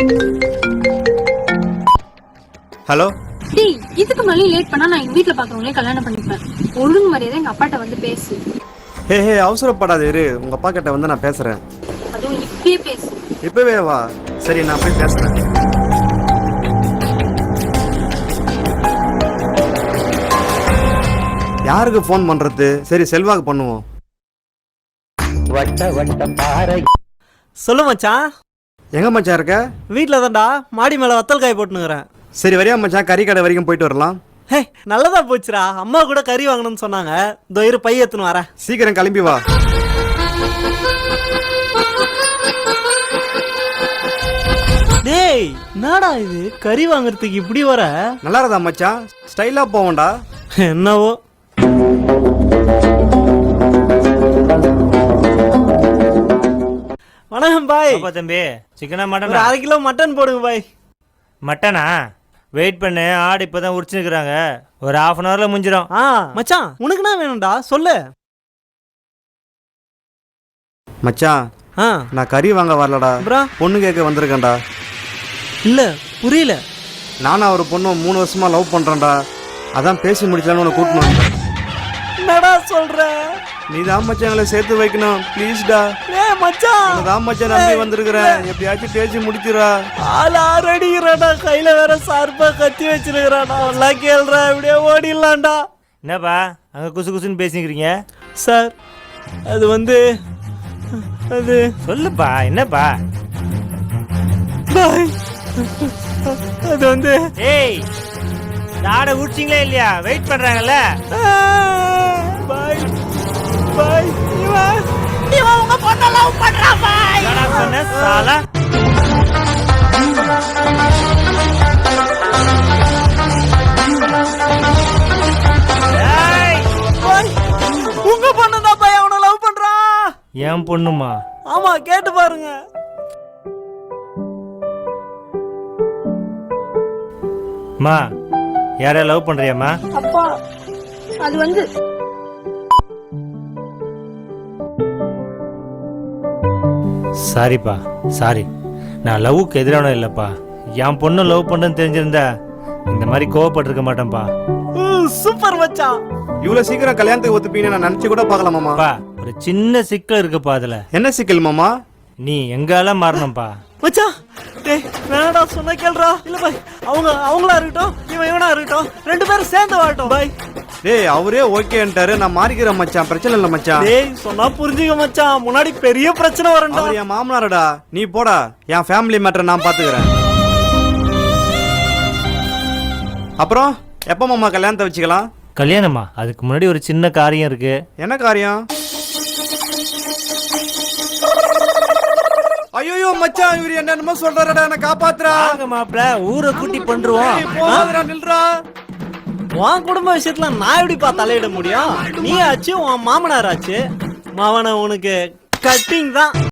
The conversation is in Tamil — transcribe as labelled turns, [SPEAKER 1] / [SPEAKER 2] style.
[SPEAKER 1] ஹலோ.
[SPEAKER 2] டேய், இதுக்கு மேலே லேட் பண்ணா நான் எங்க வீட்ல பாக்குறவங்களே கல்யாணம் பண்ணிப்பேன். ஒழுங்கு மரியாதை எங்க அப்பாட்ட வந்து பேசு.
[SPEAKER 1] ஹே அவசரப்படாத இரு, உங்க அப்பா கிட்ட வந்து நான் பேசுறேன்.
[SPEAKER 2] அதுவும் இப்பயே பேசு.
[SPEAKER 1] இப்பவே வா. சரி, நான் போய் பேசுறேன். யாருக்கு ஃபோன் பண்றது? சரி, செல்வாக்கு பண்ணுவோம்.
[SPEAKER 3] சொல்லு மச்சான்.
[SPEAKER 1] எங்க மச்சான் இருக்க?
[SPEAKER 3] வீட்ல தான்டா, மாடி மேல வத்தல் காய் போட்டுனுக்குறேன்.
[SPEAKER 1] சரி, வரியா மச்சான், கறி கடை வரைக்கும் போயிட்டு வரலாம்.
[SPEAKER 3] ஹே, நல்லதா போச்சுடா. அம்மா கூட கறி வாங்கணும்னு சொன்னாங்க. இதோ இரு, பை எடுத்துன்னு வரேன்.
[SPEAKER 1] சீக்கிரம் கிளம்பி வா.
[SPEAKER 3] டேய், என்னடா இது, கறி வாங்குறதுக்கு இப்படி வர?
[SPEAKER 1] நல்லா இருந்தா மச்சான், ஸ்டைலா போவோம்டா.
[SPEAKER 3] என்னவோ. வணக்கம் பாய்.
[SPEAKER 4] தம்பி, சிக்கனா
[SPEAKER 3] ஒரு
[SPEAKER 4] மட்டனா?
[SPEAKER 3] 1/2 கிலோ மட்டன் போடுங்க பாய்.
[SPEAKER 4] மட்டனா? வெயிட் பண்ணு, ஆடு இப்பதான் உரிச்சுக்கிறாங்க. ஒரு 1/2 hourல முடிஞ்சிடும்.
[SPEAKER 3] மச்சான், உனக்கு என்ன வேணும்டா சொல்லு.
[SPEAKER 1] மச்சான், நான் கறி வாங்க வரலடா, பொண்ணு கேட்க வந்திருக்கேன்டா.
[SPEAKER 3] இல்ல, புரியல.
[SPEAKER 1] நானும் ஒரு பொண்ணு 3 வருஷமா லவ் பண்றேன்டா. அதான் பேசி முடிக்கலான்னு உன்னை கூட்டினு வந்தேன்.
[SPEAKER 3] என்னடா சொல்ற?
[SPEAKER 1] நீ தான் மச்சான் எங்களை சேர்த்து வைக்கணும், ப்ளீஸ்டா.
[SPEAKER 3] ஏய் மச்சான்,
[SPEAKER 1] தான் மச்சான் நம்பி வந்திருக்கிறேன், எப்படியாச்சும் பேசி முடிச்சிடா.
[SPEAKER 3] ஆள் ஆறடிக்கிறாடா, கையில வேற சார்பா கத்தி வச்சிருக்கிறாடா. எல்லாம் கேள்றா, இப்படியே ஓடிடலாம்டா.
[SPEAKER 4] என்னப்பா அங்க குசு குசுன்னு பேசிக்கிறீங்க?
[SPEAKER 3] சார், அது வந்து அது
[SPEAKER 4] சொல்லுப்பா, என்னப்பா?
[SPEAKER 3] பாய், அது வந்து
[SPEAKER 4] ஏய், ஆடை உரிச்சிங்களே இல்லையா? வெயிட் பண்றாங்கல்ல.
[SPEAKER 3] பாய் பாய், இவன் உங்க பொண்ண லவ் பண்றான் பாய்.
[SPEAKER 4] என்னடா சொன்ன சாலா?
[SPEAKER 3] பாய், உங்க பொண்ணு தான் பாய் அவனை லவ் பண்றான்.
[SPEAKER 4] என் பொண்ணுமா?
[SPEAKER 3] ஆமா, கேட்டு பாருங்க.
[SPEAKER 4] மா, யார லவ் பண்றியாமா?
[SPEAKER 2] அப்பா, அது வந்து
[SPEAKER 4] சாரிப்பா, சாரி. நான் லவ்வுக்கு எதிரான இல்லப்பா. என் பொண்ணு லவ் பண்றேன்னு தெரிஞ்சிருந்தா இந்த மாதிரி கோவப்பட்டிருக்க மாட்டேன்ப்பா.
[SPEAKER 3] சூப்பர் மச்சான்.
[SPEAKER 1] இவ்வளவு சீக்கிரம் கல்யாணத்துக்கு ஒத்துப்பீங்கன்னு நான் நினைச்சு கூட பார்க்கல மாமா.
[SPEAKER 4] பா, ஒரு சின்ன சிக்கல் இருக்குப்பா. அதுல
[SPEAKER 1] என்ன சிக்கல் மாமா?
[SPEAKER 4] நீ எங்கால மாறணும்பா.
[SPEAKER 3] மச்சான், டேய் வேணாடா, சொன்னா கேளுடா. இல்ல பாய், அவங்களா இருக்கட்டும், இவனா இருக்கட்டும், 2 பேரும் சேர்ந்து வாழட்டும் பாய்.
[SPEAKER 1] டேய், அவரே ஓகேன்ட்டாரு, நான் மாறிக்கிறேன் மச்சான், பிரச்சனை இல்ல மச்சான்.
[SPEAKER 3] டேய், சொன்னா புரிஞ்சுக்க மச்சான், முன்னாடி பெரிய பிரச்சனை வரண்டா.
[SPEAKER 1] அவர் என் மாமனாரடா, நீ போடா. என் ஃபேமிலி மேட்டரை நான் பாத்துக்கிறேன். அப்புறம் எப்ப மாமா கல்யாணத்தை வச்சுக்கலாம்?
[SPEAKER 4] கல்யாணமா? அதுக்கு முன்னாடி ஒரு சின்ன காரியம் இருக்கு.
[SPEAKER 1] என்ன காரியம்? ஐயோ மச்சான், இவரு என்னென்னமோ சொல்றாருடா, என்ன காப்பாத்துறா.
[SPEAKER 4] மாப்பிள்ள, ஊரை கூட்டி பண்றோம்.
[SPEAKER 1] நில்றா.
[SPEAKER 3] உன் குடும்ப விஷயத்துல நான் எப்படிப்பா தலையிட முடியும்? நீ ஆச்சு, உன் மாமனார் ஆச்சு. மாவன உனக்கு கட்டிங் தான்.